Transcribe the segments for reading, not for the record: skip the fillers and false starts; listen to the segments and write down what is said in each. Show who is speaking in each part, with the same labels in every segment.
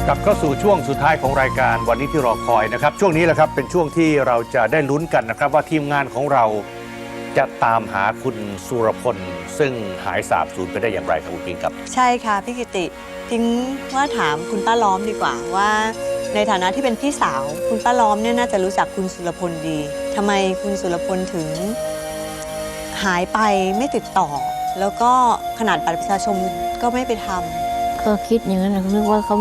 Speaker 1: กลับเข้าสู่ช่วงสุดท้ายของรายการวันนี้ที่รอคอยนะครับช่วงนี้แหละครับเป็นช่วงที่เราจะได้ลุ้นกันนะครับว่าทีมงานของเราจะตามหาคุณสุรพลซึ่งหายสาบสูญไปได้อย่างไรครับคุณพิงครับ
Speaker 2: ใช่ค่ะพี่กิติพิงว่าถามคุณป้าล้อมดีกว่าว่าในฐานะที่เป็นพี่สาวคุณป้าล้อมเนี่ยน่าจะรู้จักคุณสุรพลดีทำไมคุณสุรพลถึงหายไปไม่ติดต่อแล้วก็ขนาดบัตรประชาชนก็ไม่ไปทำ
Speaker 3: ก็คิดอย่างนั้นนึกว่าเขา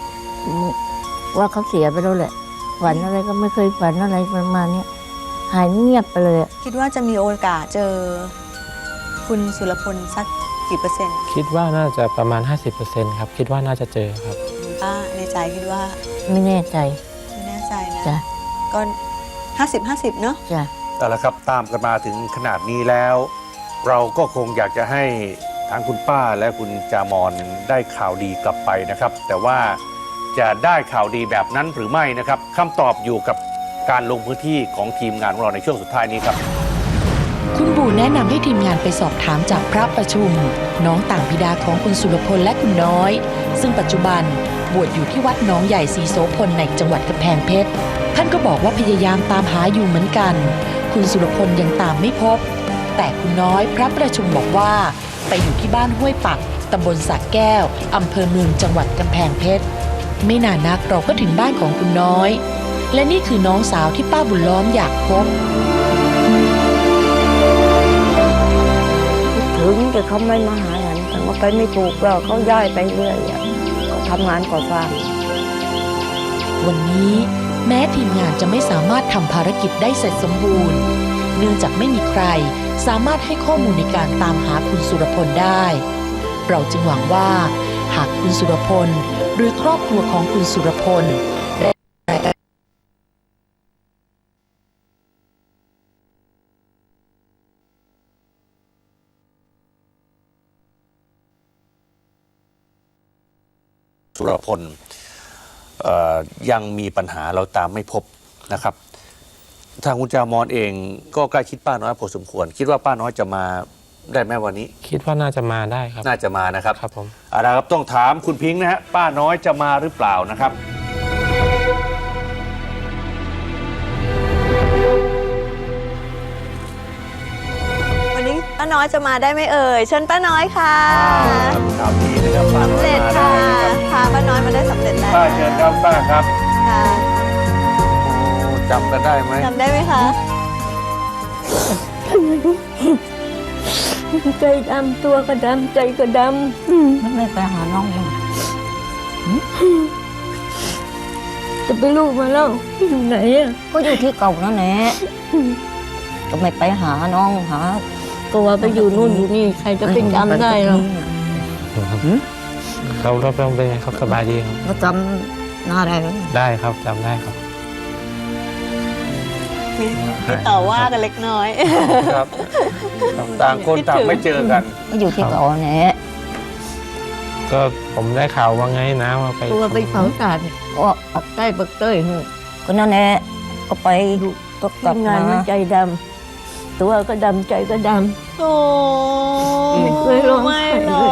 Speaker 3: เสียไปแล้วแหละฝันอะไรก็ไม่เคยฝันอะไรประมาณนี้หายเงียบไปเลย
Speaker 2: คิดว่าจะมีโอกาสเจอคุณสุรพลสักกี่เปอร์เซ็นต์
Speaker 4: คิดว่าน่าจะประมาณ 50%ครับคิดว่าน่าจะเจอครับ
Speaker 2: คุณป้าในใจคิดว่า
Speaker 3: ไม่แน่ใจ
Speaker 2: นะ
Speaker 3: จ้ะ
Speaker 2: ก็50-50เนาะ
Speaker 3: จ้ะ
Speaker 1: แต่ละครับตามกันมาถึงขนาดนี้แล้วเราก็คงอยากจะให้ทั้งคุณป้าและคุณจามอนได้ข่าวดีกลับไปนะครับแต่ว่าจะได้ข่าวดีแบบนั้นหรือไม่นะครับคำตอบอยู่กับการลงพื้นที่ของทีมงานของเราในช่วงสุดท้ายนี้ครับ
Speaker 5: คุณปู่แนะนำให้ทีมงานไปสอบถามจากพระประชุมน้องต่างบิดาของคุณสุรพลและคุณน้อยซึ่งปัจจุบันบวชอยู่ที่วัดหนองใหญ่ศรีโสพลในจังหวัดกำแพงเพชรท่านก็บอกว่าพยายามตามหาอยู่เหมือนกันคุณสุรพลยังตามไม่พบแต่คุณน้อยพระประชุมบอกว่าไปอยู่ที่บ้านห้วยปักตำบลสระแก้วอำเภอเมืองจังหวัดกำแพงเพชรไม่นานนักเราก็ถึงบ้านของคุณน้อยและนี่คือน้องสาวที่ป้าบุญล้อมอยากพบ
Speaker 3: ถึงแต่เขาไม่มาหาฉันแต่ว่าไปไม่ถูกแล้วเขาย้ายไปเรื่อยเขาทำงานก่อสร้าง
Speaker 5: วันนี้แม้ทีมงานจะไม่สามารถทำภารกิจได้เสร็จสมบูรณ์เนื่องจากไม่มีใครสามารถให้ข้อมูลในการตามหาคุณสุรพลได้เราจึงหวังว่าหากคุณสุรพลหรือครอบครัวของคุณสุรพล
Speaker 1: สุรพลยังมีปัญหาเราตามไม่พบนะครับทางคุณจามอนเองก็ใกล้ชิดป้าน้อยพอสมควรคิดว่าป้าน้อยจะมาได้ไหมวันนี้
Speaker 4: คิดว่าน่าจะมาได้ครับ
Speaker 1: น่าจะมานะครับ
Speaker 4: ครับผม
Speaker 1: ครับต้องถามคุณพิงค์นะฮะป้าน้อยจะมาหรือเปล่านะครับ
Speaker 2: วันนี้ป้าน้อยจะมาได้ไหมเอ่ยเชิญป้าน้อยค่ะ
Speaker 1: ข่าวดีนะครับป้าน้อยมาได้
Speaker 2: ค่ะป้าน้อยมาได้สำเร็จแล้ว
Speaker 1: ป้าเชิญครับป้าครับ
Speaker 2: ค่ะ
Speaker 1: จำกันได้ไหม
Speaker 2: จำได้ไหมคะ
Speaker 3: ใจดำตัวก็ดำใจก็ดำไม่ไปหาน้องเลยจะไปลูกมาแล้วอยู่ไหนอ่ะก็อยู่ที่เก่านั่นแหละก็ไม่ไปหาน้องหาก็ว่าไปอยู่นู่นอยู่นี่ใครจะไปจำได้หรอ
Speaker 4: เขาเป็นไงเขาสบายดีครับ
Speaker 3: เขาจำหน้าได้
Speaker 4: ครับจำได้ครับ
Speaker 2: มีต่อว่ากันเล็กน้อย
Speaker 1: ครับต่างคนต่างไม่เจอกัน
Speaker 3: ก็อยู่ที่เก่าเนี่ย
Speaker 4: ก็ผมได้ข่าวว่าไงนะว่าไป
Speaker 3: ตัวไปเผาศาสตร์ก็ออกใต้บักเต้ยก็นั่นแหละก็ไปก็กลับงานมันใจดำตัวก็ดำใจก็ดำ
Speaker 2: โอ้
Speaker 3: ไม่เคยร้องไห้เลย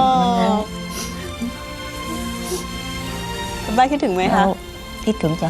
Speaker 2: บ้านคิดถึงไหมคะ
Speaker 3: คิดถึงจ้ะ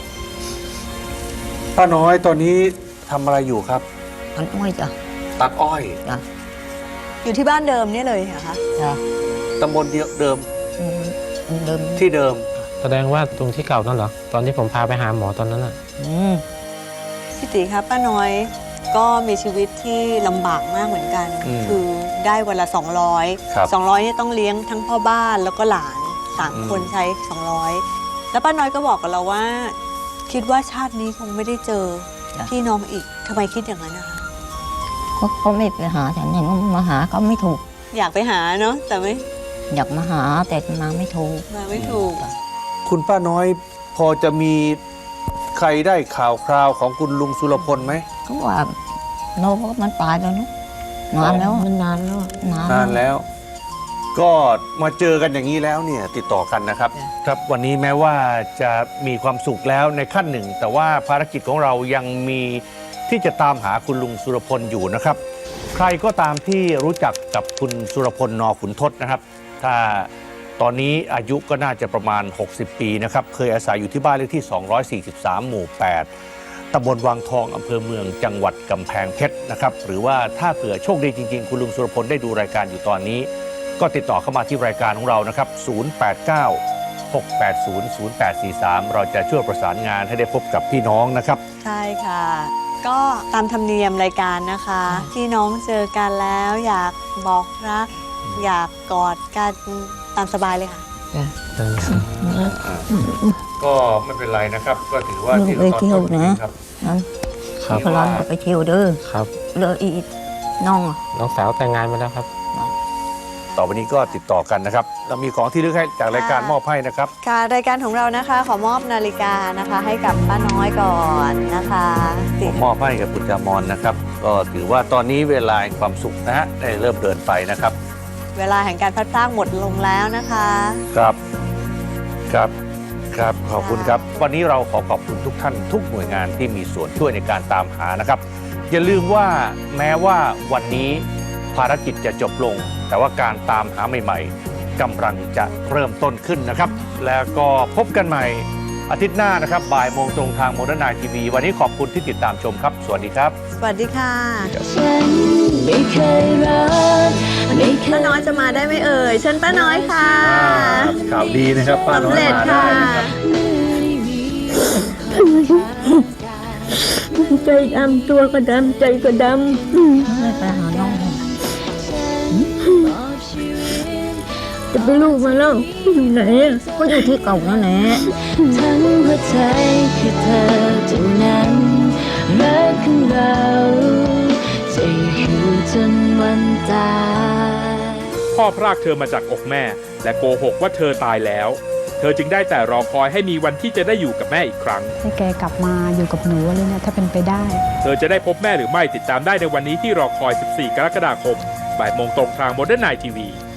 Speaker 1: ป้าน้อยตอนนี้ทำอะไรอยู่ครับ
Speaker 3: ตัดอ้อยจ้ะ
Speaker 1: ตัดอ้อย
Speaker 3: จ้ะ
Speaker 2: อยู่ที่บ้านเดิมนี่เลยเหรอคะ
Speaker 3: จ้ะ
Speaker 1: ตำบลเดิมที่เดิม
Speaker 4: แสดงว่าตรงที่เก่านั่นเหรอตอนที่ผมพาไปหาหมอตอนนั้นอ่ะ
Speaker 2: พี่ติครับป้าน้อยก็มีชีวิตที่ลำบากมากเหมือนกันคือได้วันละ200นี่ต้องเลี้ยงทั้งพ่อบ้านแล้วก็หลาน3คนใช้200แล้วป้าน้อยก็บอกกับเราว่าคิดว่าชาตินี้คงไม่ได้เจอพี่น้องอีกทำไมคิดอย่างนั้นนะคะ
Speaker 3: เขาไม่ไปหาฉันเห็นว่ามาหาเขาไม่ถูก
Speaker 2: อยากไปหาเนาะแต่ไม่
Speaker 3: อยากมาหาแต่มาไม่ถูก
Speaker 1: คุณป้าน้อยพอจะมีใครได้ข่าวคราวของคุณลุงสุรพลไหม
Speaker 3: เขาว่าโน้มันตายแล้วนะนานแล้วมันนาน
Speaker 1: แล้วก็มาเจอกันอย่างนี้แล้วเนี่ยติดต่อกันนะครับครับวันนี้แม้ว่าจะมีความสุขแล้วในขั้นหนึ่งแต่ว่าภารกิจของเรายังมีที่จะตามหาคุณลุงสุรพลอยู่นะครับใครก็ตามที่รู้จักกับคุณสุรพลน.ขุนทดนะครับถ้าตอนนี้อายุก็น่าจะประมาณ 60 ปีนะครับเคยอาศัยอยู่ที่บ้านเลขที่ 243 หมู่ 8 ตำบลวังทองอำเภอเมืองจังหวัดกำแพงเพชรนะครับหรือว่าถ้าเผื่อโชคดีจริงๆคุณลุงสุรพลได้ดูรายการอยู่ตอนนี้ก็ติดต่อเข้ามาที่รายการของเรานะครับ 089-680-0843 เราจะช่วยประสานงานให้ได้พบกับพี่น้องนะครับ
Speaker 2: ใช่ค่ะ ก็ตามธรรมเนียมรายการนะคะพี่น้องเจอกันแล้วอยากบอกรัก อยากกอดกันตามสบายเลยค่ะ
Speaker 1: ก็ไม่เป็นไรนะครับ ก็ถือว่าที่เราตอนต้นครับ
Speaker 4: ครับ
Speaker 3: พลันก็ไปเที่ยวเด้อ
Speaker 4: ครับ
Speaker 3: เลยอีน้องอะ
Speaker 4: น้องสาวแต่งงานไปแล้วครับ
Speaker 1: ต่อไปนี้ก็ติดต่อกันนะครับเรามีของที่ระลึกให้จากรายการมอบให้นะครับ
Speaker 2: ค่ะรายการของเรานะคะขอมอบนาฬิกานะคะให้กับป้าน้อยก่อนนะคะติด
Speaker 1: มอบให้กับคุณจามอนนะครับ ก็ถือว่าตอนนี้เวลาแห่งความสุขนะฮะได้เริ่มเดินไปนะครับ
Speaker 2: เวลาแห่งการพัดพรากหมดลงแล้วนะคะ
Speaker 1: ครับครับขอบคุณครับ วันนี้เราขอขอบคุณทุกท่านทุกหน่วยงานที่มีส่วนช่วยในการตามหานะครับ อย่าลืมว่าแม้ว่าวันนี้ภารกิจจะจบลง แต่ว่าการตามหาใหม่ๆกำลังจะเริ่มต้นขึ้นนะครับ แล้วก็พบกันใหม่อาทิตย์หน้านะครับบ่ายโมงตรงทางโมเดิร์นไนทีวีวันนี้ขอบคุณที่ติดตามชมครับสวัสดีครับ
Speaker 2: สวัสดีค่ะ
Speaker 6: ฉันไม่เคยรักไม่เค
Speaker 2: ป้าย น้อยจะมาได้ไหมเอ่ยเชิญป้าน้อยค่ะ
Speaker 1: ข่าวดีนะครับป้าน้อย
Speaker 2: สำเร็จ
Speaker 1: มาได้
Speaker 2: ค่ะ
Speaker 1: นะครับ
Speaker 3: ใจดำตัวก็ดำใจก็ดำไปหาน้องจะไปลูกมาแล้วอยู่ไหนอะก็อยู่ที่เก่านั่นแหละ
Speaker 6: ทั้งหัวใจคือเธอเท่านั้นรักของเราจะอยู่จนวันตาย
Speaker 7: พ่อพรากเธอมาจากอกแม่ และโกหกว่าเธอตายแล้ว เธอจึงได้แต่รอคอยให้มีวันที่จะได้อยู่กับแม่อีกครั้ง
Speaker 8: ให้แกกลับมาอยู่กับหนูอะไรเนี่ยถ้าเป็นไปได้
Speaker 7: เธอจะได้พบแม่หรือไม่ติดตามได้ในวันนี้ที่รอคอย 14 กรกฎาคม บ่ายโมงตรงทางโมเดิร์นไนทีวี